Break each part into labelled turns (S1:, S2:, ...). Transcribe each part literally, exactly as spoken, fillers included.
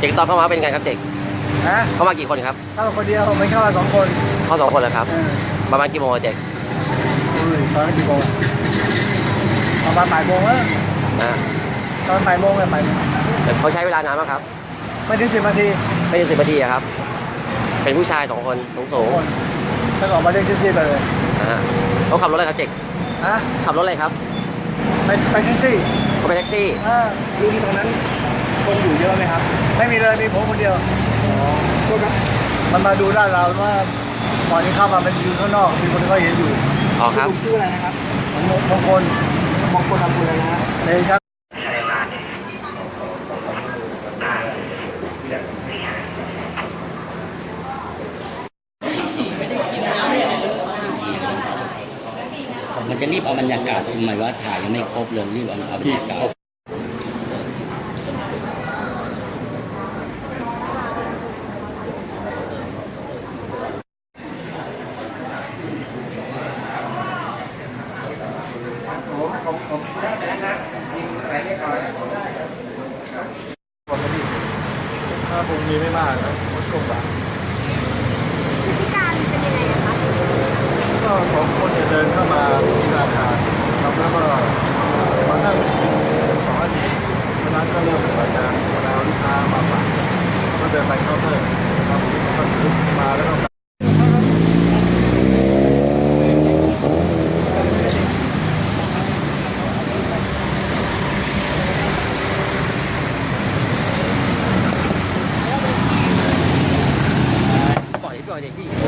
S1: จ๊กตอนเข้ามาเป็นไงครับเจ๊ก
S2: ฮะ
S1: เข้ามากี่คนครับ
S2: เข้าคนเดียวไม่เข้ามาสองคน
S1: เข้าสองคนเลยครับประมาณกี่โมงเจ๊ก
S2: อุ้ยตอนนั้นกี่โมงประมาณบ่ายโมงแล้ว
S1: นะ
S2: ตอนบ่ายโมงเลยบ่าย
S1: แต่เขาใช้เวลานานมากครับ
S2: ไม่ถึงสิบนาที
S1: ไม่ถึงสิบนาทีครับเป็นผู้ชายสองคนสูงสูง
S2: ถ้าออกมาเรียกแท็กซี่ไปเลย
S1: นะเขาขับรถอะไรครับเจ๊ก
S2: ฮะ
S1: ขับรถอะไรครับ
S2: ไปไปแท็กซี่
S1: เขาไปแท็กซี่
S2: อ่า
S3: ดูที่ตรงนั้นคนอยู่เยอะไหมครับ
S2: ไม่มีเลยมีผมคนเดียว
S3: อ๋อก็ครับ
S2: มันมาดูด้านเราว่าก่อนที่เข้ามามันอยู่ข้างนอกมีคนที่เขาเห็นอยู่
S1: อ๋อครับ
S3: ชื่ออะไรนะครับ
S2: บางคน
S3: บางคนทำอะไรนะฮะ
S2: เลยครับ
S4: มันจะรีบเอาบรรยากาศทำไมว่าถ่ายยังไม่ครบเลยรีบเอาบรรยากาศ
S2: ถ้าผมมีไม่มากนะมันก็แบบ
S5: พฤติการเป็นยังไงคะ
S2: ก็สองคนเดินเข้ามาที่ธนาคารแล้วก็มานั่งสองนาทีจากนั้นก็เริ่มเปิดงานเวลาลูกค้ามาฝากก็เดินไปเคาน์เตอร์ครับก็ซื้อมาแล้วก็
S1: ปล่อยปล่อยเด็กพี่
S2: โอ้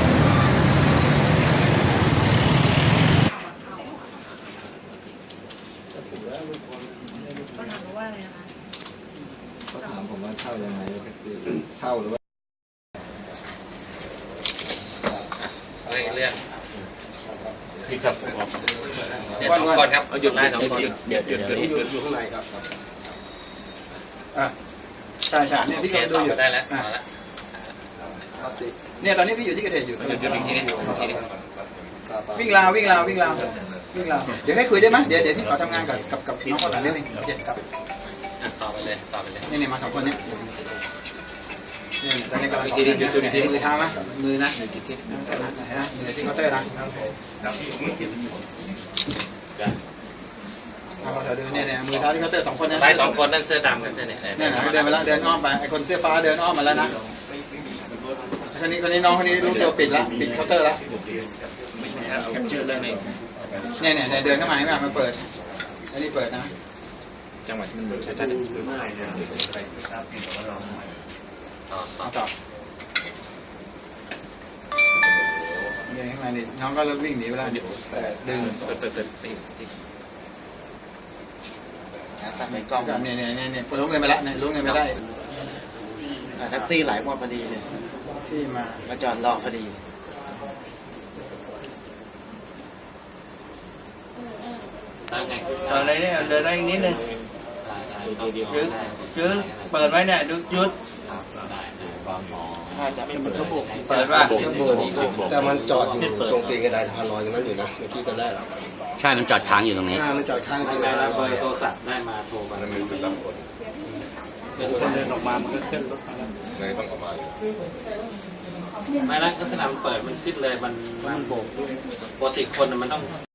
S6: เขาถามผมว่าเช่ายังไงคือเช่าหรือว่า
S7: เรื่องเรื่องพี่ครับเนี่ยสองคนครับเอาหยุดได้สองคนหยุดหยุดหยุดหยุดอยู่ข้างในครับ
S3: อ่ะใช่ใช่เนี่ยพี่ก็ดูอยู่
S7: ได้แล้วมาแล้ว
S3: เนี่ยตอนนี้พี่อยู่ที่เกิดเหตุอยู่
S7: หยุดหยุดอีกทีนึงอีกทีนึง
S3: วิ่งราววิ่งราววิ่งราววิ่งราวเดี๋ยวให้คุยได้ไหมเดี๋ยวเดี๋ยวพี่ขอทำงานกับกับกับน้องคนหลังนิดนึงโอเคครับ
S7: ต่อไปเลยต่อไปเลย
S3: นี่เนี่ยมาสองคนเนี่ยนี่ตอนนี้กำลังมือเท้าไหมมือนะมือที่นะมือที่เคาน์เตอร์นะเอาเธอดูเนี่ยเนี่ยมือเท้าที่เคาน์เตอร์สองคนนั่น
S7: ไปสองคนนั่นเสื้อดำกันเนี่ย
S3: เนี่ยเดินไปแล้วเดินอ้อมไปไอคนเสื้อฟ้าเดินอ้อมมาแล้วนะคนนี้คนนี้น้องคนนี้รู้ตัวปิดแล้วปิดเคาน์เตอร์แล้วเนี่ยเนี่ยเดินเข้ามาให้มามาเปิดอันนี้เปิดนะ
S7: จังหวะที่มันเหมือนใช้ท่านไม่นะ
S3: ต่อต่อเนี่ยข้างในนี่น้องก็เริ่มวิ่งหนีไปแล้วดึง
S7: เปิดเปิดเปิดติดติด
S3: ตัดในกล้องเนี่ยเนี่ยเนี่ยเนี่ยรู้เงินไปแล้วเนี่ยรู้เงินไปได้
S1: แท็กซี่ไหลหมดพอดีเลย
S3: แท็กซี่มา
S1: มาจอดรอพอดี
S8: อะไรเนี่ยเดินได้อีกนิดนึงยืดยืดเปิดไว้เนี่ยยุดเปิดว่า
S6: แต่มันจอดอยู่ตรงตีนกระไดทางลอยตรงนั้นอยู่นะเมื่อกี้ตอนแรก
S4: ใช่มันจอดค้างอยู่ตรงนี้
S6: มันจอดค้างตีนกระไดลอย
S7: โทรศัพท์ได้มาโทรมามันมีรับคน
S8: เดินออกมามันก็ขึ้นรถมา
S6: เลยต้องออกมา
S7: ไม่แล้วลักษณะมันเปิดมันขึ้นเลยมันมันโบกปกติคนมันต้อง